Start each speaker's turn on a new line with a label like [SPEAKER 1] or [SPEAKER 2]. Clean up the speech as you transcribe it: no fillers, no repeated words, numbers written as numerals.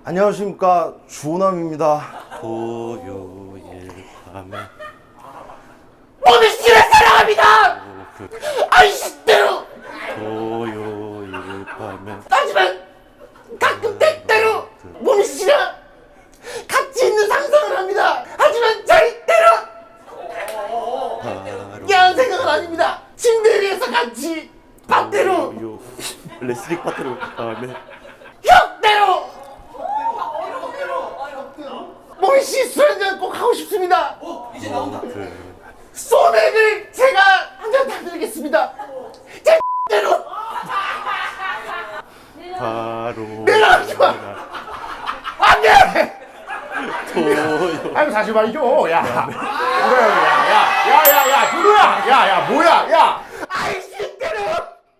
[SPEAKER 1] 안녕하십니까, 주호남입니다.
[SPEAKER 2] 토요일 밤에
[SPEAKER 3] 모든 씨를 사랑합니다. 아이씨 때로.
[SPEAKER 2] 토요일 밤에
[SPEAKER 3] 하지만 가끔 때때로 모든 씨랑 같이 있는 상상을 합니다. 하지만 절대로 야한 생각은 아닙니다. 침대 위에서 같이 밥대로
[SPEAKER 2] 토요 레슬링 파트로 밤에
[SPEAKER 3] 혁대로 모든 씨술 한잔 꼭 하고 싶습니다. 소맥을 제가 한 잔 다 드리겠습니다. 제 대로
[SPEAKER 2] 바로
[SPEAKER 3] 내려가지 마. 안 돼.
[SPEAKER 2] 토요
[SPEAKER 3] 아이고 다시 말이죠. 야. 그래, 야, 준호야. 야, 뭐야? 야.